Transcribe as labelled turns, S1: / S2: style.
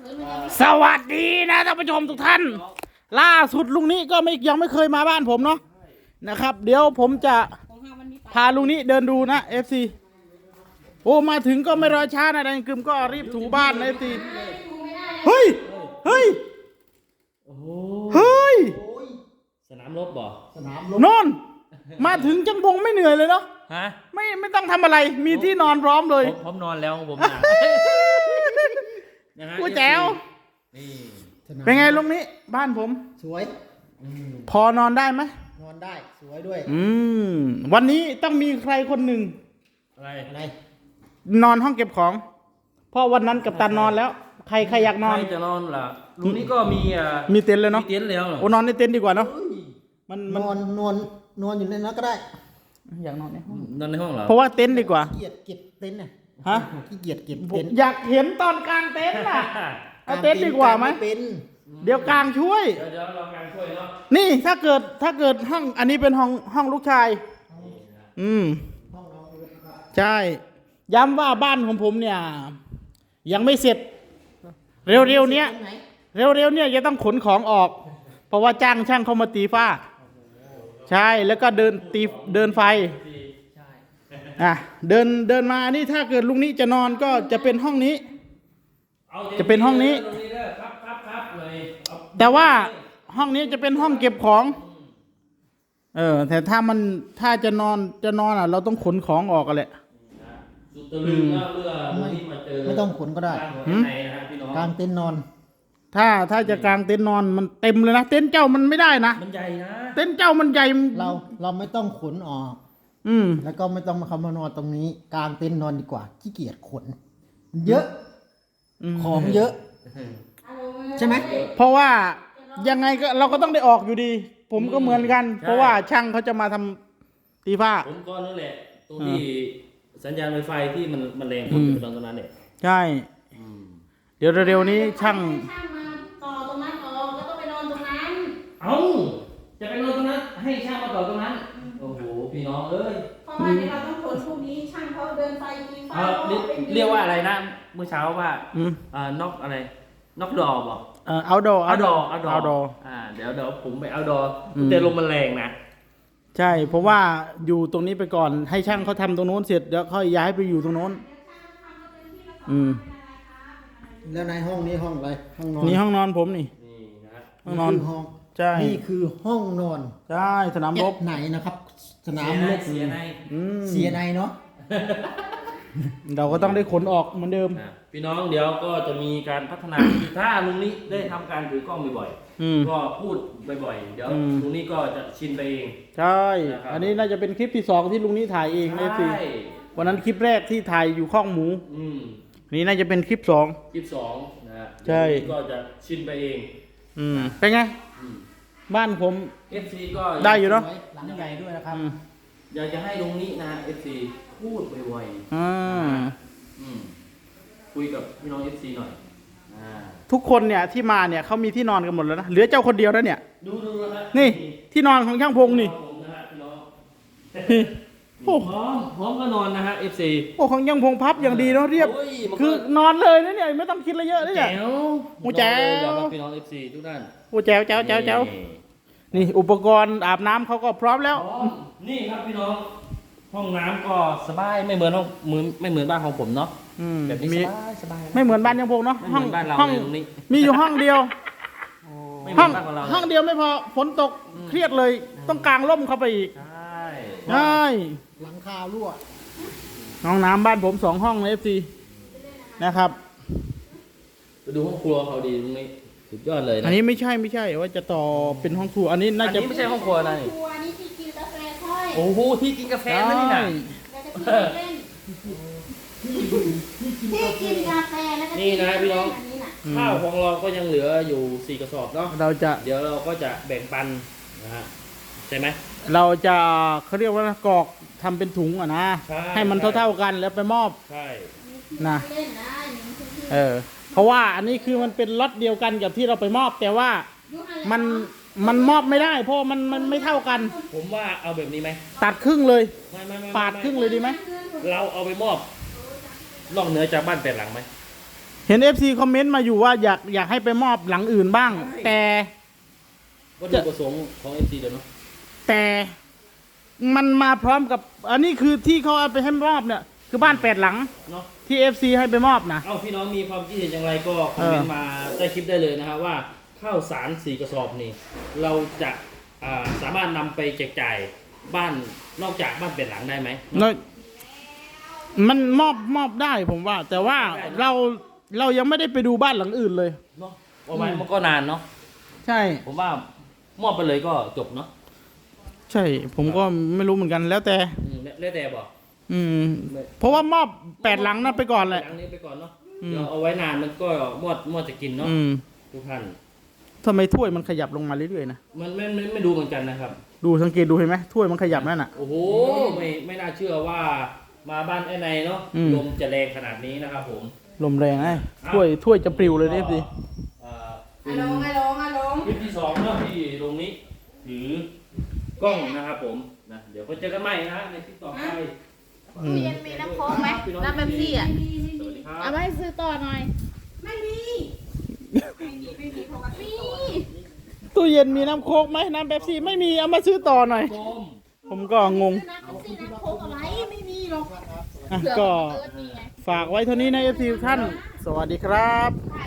S1: สวัสดีนะท่านผู้ชมทุกท่านล่าสุดลุงนี้ก็ยังไม่เคยมาบ้านผมเนาะนะครับเดี๋ยวผมจะพาลุงนี้เดินดูนะ FC โอ้มาถึงก็ไม่รอช้านะดังกึมก็รีบถูบ้านนะ FC เฮ้ยเฮ้ยเฮ้ย
S2: สนามรบบ่
S3: สนามรบ
S1: นอนมาถึงจังบงไม่เหนื่อยเลยเนาะ
S2: ฮะ
S1: ไม่ต้องทำอะไรมีที่นอนพร้อมเลย
S2: ผมนอนแล้วผมนะนะฮะ
S1: กูแจ๋ว
S2: นี่
S3: สนาม
S1: เป็นไงลุงนี้บ้านผม
S3: สวย
S1: พอนอนได้ไหม
S3: นอนได้สวยด้วย
S1: วันนี้ต้องมีใครคนหนึ่ง
S2: อะไร
S3: อะไร
S1: นอนห้องเก็บของเพราะวันนั้นกับตันนอนแล้ว ใครอยากนอน
S2: ใครจะนอนล่ะลุงนี่ก็มี
S1: มีเต็นท์เลย
S2: มี
S1: เนาะ
S2: เต็นท์แล้วเหรอ
S1: โอ้นอนในเต็นท์ดีกว่าเนาะมัน
S3: นอนอยู่ในนั้นก็ได้
S1: อยากนอนในห้อง
S2: นอนในห้องเหรอ
S1: เพราะว่าเต็นท์ดีกว่า
S3: ขี้เกียจเก็บเต็นท์น่ะ
S1: ฮะ
S3: ขี้เกียจเก็บ
S1: ผม
S3: เต็นท์
S1: อยากเห็นตอนกลางเต็นท์น่ะเอาเต็นท์ดีกว่าไหม
S3: เป็น
S1: เดี๋ยวกลางช่วย
S2: เดี๋ยวเราการช่วยเนาะ
S1: นี่ถ้าเกิดห้องอันนี้เป็นห้องลูกชาย
S3: ห้องนอนอยู่นะครับ
S1: ใช่ ย้ำว่าบ้านของผมเนี่ย ยังไม่เสร็จ เร็วๆเนี้ย
S3: ตรงไหน
S1: เร็วๆเนี่ยจะต้องขนของออก เพราะว่าจ้างช่างเขามาตีฝ้า ใช่แล้วก็เดินไฟเดินมานี่ถ้าเกิดลุงนี้จะนอนก็จะเป็นห้องนี้
S2: อา
S1: จะเป็นห้องนี้
S2: ตรงนี้เด้อครับเลยเอา
S1: แต่ว่าห้องนี้จะเป็นห้องเก็บของ แต่ถ้าจะนอนอ่ะ เราต้องขนของออกกันแหละ
S2: สุดตะลึงนะเมื่อลุงนี่มาเจอ
S3: ไม่ต้องขนก็ได้
S2: กลางหัวในนะฮะพี่น้อง
S3: กลางเต็นท์นอน
S1: ถ้าจะกางเต็นท์นอนมันเต็มเลยนะเต็นท์เจ้ามันไม่ได้นะ
S2: มันใหญ่นะ
S1: เต็นท์เจ้ามันใหญ่
S3: เราไม่ต้องขนออก แล้วก็ไม่ต้องมาเข้ามานอนตรงนี้กลางเต็นท์นอนดีกว่าขี้เกียจขนมันเยอะของเยอะ ใช่ไหม
S1: เพราะว่ายังไงก็เราก็ต้องได้ออกอยู่ดี ผมก็เหมือนกัน เพราะว่าช่างเขาจะมาทำตีฝ้า
S2: ผมก็นั่นแหละตรงที่สัญญาณไวไฟที่มันแรงผมอยู่ตรงนั้นเนี่ย
S1: ใช่ เดี๋ยวเร็วๆนี้ช่าง
S4: มาต่อตรงนั้นออกแล้วก็ไปนอนตรงนั้น
S2: เอ้าจะไปนอนตรงนั้นให้ช่างมาต่อตรงนั้นโอ้โหพี่น้องเอ้ย
S4: เพราะว่าเดี๋ยวเราต้องขนพรุ่งนี้ช่างเขาเดินไฟตีไฟ
S2: เรียกว่าอะไรนะเมื่อเช้าว่านอกอะไรนอกดอบอก
S1: เอาดอ
S2: เอาดอ เดี๋ยวผมไปเอาดอแต่ลมมันแรงนะ
S1: ใช่เพราะว่าอยู่ตรงนี้ไปก่อนให้ช่างเขาทำตรงโน้นเสร็จเดี๋ยวค่อยย้ายไปอยู่ตรงโน้น
S3: แล้วในห้องนี้ห้องอะไรห้องนอน
S1: นี่ห้องนอนผมนี่
S2: นี่นะฮะ
S1: ห้องนอน
S3: คือห้อง
S1: ใช่
S3: นี่คือห้องนอน
S1: ใช่สนามรบ
S3: ไหนนะครับ สนามรบ
S2: เสียใน
S3: เสียในเนาะ
S1: เราก็ต้องได้ขนออกเหมือนเดิม
S2: พี่น้องเดี๋ยวก็จะมีการพัฒนาถ้าลุงนี้ได้ทำการถือกล้องบ่อยๆก็พูดบ่อยๆเดี๋ยวลุงนี้ก็จะชินไปเอง
S1: ใช่
S2: นะครับ
S1: อันนี้น่าจะเป็นคลิปที่2ที่ลุงนี้ถ่ายเองนะสิ
S2: ใช่
S1: วันนั้นคลิปแรกที่ถ่ายอยู่ข้องหมู
S2: อืม
S1: นี่น่าจะเป็นคลิป2
S2: คลิป2นะฮะ
S1: ใช่
S2: เดี๋ยวลุงนี้ก็จะชินไปเอง
S1: เป็นไง
S2: อืม
S1: บ้านผม
S2: FC ก็
S1: ได้อยู่เนาะ
S3: หลังใหญ่ด้วยนะครับ
S2: อยากจะให้ลุงนี้นะ FC พูดบ่อยๆ
S1: อ่า
S2: อืมคุยกับพี่น้อง FC หน่อยอ่า
S1: ทุกคนเนี่ยที่มาเนี่ยเขามีที่นอนกันหมดแล้วนะเหลือเจ้าคนเดียวแล้วเนี่ย
S2: ดูนะฮะ
S1: นี่ที่นอนของช่างพงนี่
S2: ผมนะฮะพี่น้อง
S1: โอ้
S2: พร้อมก็นอนนะฮะ FC
S1: โอ้ของช่างพงพับอย่างดีเนาะเรียบ
S2: โอ้ยมันก็
S1: คือนอนเลยนะเนี่ยไม่ต้องคิดอะไรเยอะเลยเนี่ย
S2: แจ๋ว
S1: โอ้แจ๋ว
S2: เดี๋ยวครับพี่น้อง FC ทุกท่าน
S1: โอ้แจ๋วนี่อุปกรณ์อาบน้ำเขาก็พร้อมแล้ว
S2: พร้อมนี่ครับพี่น้อง ห้องน้ำก็สบายไม่เหมือนไม่เหมือนบ้านของผมเนาะแบบนี้
S1: มี
S2: สบายนะ
S1: ไม่เหมือนบ้านช่างพงเนาะ
S2: ไม่เหมือนบ้านเรา
S1: ห้อง
S2: เลยตรงนี้
S1: มีอยู่ห้องเดียว
S2: ไม่เหมื
S1: ห้
S2: อ
S1: อง
S2: นบ้านของเรา
S1: ห้องเดียวไม่พอฝนตกเครียดเลย ต้องกางร่มเข้าไปอีก
S2: ใช่
S1: ใช่
S3: หลังคารั่ว
S1: ห้องน้ำบ้านผม2 ห้องใน FC นะครับ
S2: ไปดูห้องครัวเขาดีตรงนี้สุดยอดเลยนะ
S1: อันนี้ไม่ใช่ว่าจะต่อเป็นห้องครัวอันนี้น่าจะ
S2: อันนี้ไม่ใช่ห้องครัวนะนี่
S4: ครัวนี่ที่กินกาแฟค่อย
S2: โอ้โหที่กินกาแฟนะนี่นะ
S4: แล้วก็ที่เล่นที่กินกาแฟแล้วก็
S2: นี่นะพี่น้อง
S4: อันนี้น่ะ
S2: ข้าวของเราก็ยังเหลืออยู่4กระสอบเนาะ
S1: เราจะ
S2: เดี๋ยวเราก็จะแบ่งปันนะฮะใช่ไหม
S1: เราจะเขาเรียกว่ากรอกทำเป็นถุงอ่ะนะ
S2: ใช่
S1: ให้มันเท่าๆกันแล้วไปมอบ
S2: ใช่
S1: นะ
S4: เล่นนะอย่างนี้คือ
S1: เพราะว่าอันนี้คือมันเป็นล็อตเดียวกันกับที่เราไปมอบ แต่ว่ามันมอบไม่ได้ เพราะมันไม่เท่ากัน
S2: ผมว่าเอาแบบนี้ไหม
S1: ตัดครึ่งเลย
S2: ไม่
S1: ปาดครึ่งเลยดีไหม
S2: เราเอาไปมอบนอกเหนือจากบ้านแปดหลังไหม
S1: เห็น FC คอมเมนต์มาอยู่ว่าอยากให้ไปมอบหลังอื่นบ้าง แต่
S2: วัตถุประสงค์ของ FC เดี๋ยวเนาะ
S1: แต่มันมาพร้อมกับ อันนี้คือที่เขาเอาไปให้มอบเนี่ย คือบ้าน8 หลัง
S2: เนาะ
S1: ที่ FC ให้ไปมอบนะ
S2: เอ้าพี่น้องมีความคิดเห็นอย่างไรก็คอมเมนต์มาใต้คลิปได้เลยนะครับว่าข้าวสาร4 กระสอบนี่เราจะสามารถนำไปแจกจ่ายบ้านนอกจากบ้าน8 หลังได้ไหม
S1: แล้วมันมอบได้ผมว่า แต่ว่าเรายังไม่ได้ไปดูบ้านหลังอื่นเลย
S2: เนาะประมาณมันก็นานเนาะ
S1: ใช่
S2: ผมว่ามอบไปเลยก็จบเนาะ
S1: ใช่ ผมก็ไม่รู้เหมือนกันแล้วแต่
S2: แล้วแต่บอก
S1: เพราะว่ามอบ8 หลังนั้นไปก่อนแหละ
S2: หลังนี้ไปก่อนเนาะเดี๋ยวเอาไว้นานมันก็มอดจะกินเนาะทุกท่าน
S1: ทำไมถ้วยมันขยับลงมาเรื่อยๆนะ
S2: มันไม่ดูเหมือนกันนะครับ
S1: ดูสังเกตดูเห็นไหมถ้วยมันขยับนั่นน่ะ
S2: โอ้โหไม่น่าเชื่อว่ามาบ้านไอ้ในเนาะ
S1: อืม
S2: ลมจะแรงขนาดนี้นะครับผม
S1: ลมแรงไอ้ถ้วยจะปลิวเลยเนี่ยสิ
S2: เป็
S4: อะ
S2: น
S4: ลงอะลงอะลง
S2: คลิปที่2เนาะที่ตรงนี้ถือกล้องนะครับผมนะเดี๋ยวก็เจอกันใหม่นะในคลิปต่อไป
S1: อืม
S5: ตู้เย็นมีน้ำโค้กไหมน้ำเป๊ปซี่อ่ะ
S2: สวัสดีครั
S5: เอา
S2: บ
S5: ไว้ซื้อต่อหน่อย
S4: ไม่มีเพราะว่า
S5: มี
S1: ตู้เย็นมีน้ำโค้กไหมน้ำเป๊ปซี่ไม่มีเอามาซื้อต่อหน่อย
S2: ชม
S1: ผมก็งง
S5: น้ำเป๊ปซี่น้ำโค้กเอาไว้ไม่มีหรอก
S1: อ่ะ
S5: เผื่อ
S1: ก็
S5: เอิร์ธมีไง
S1: ฝากไว้เท่านี้นะ FC ทุกท่าน สวัสดีครับ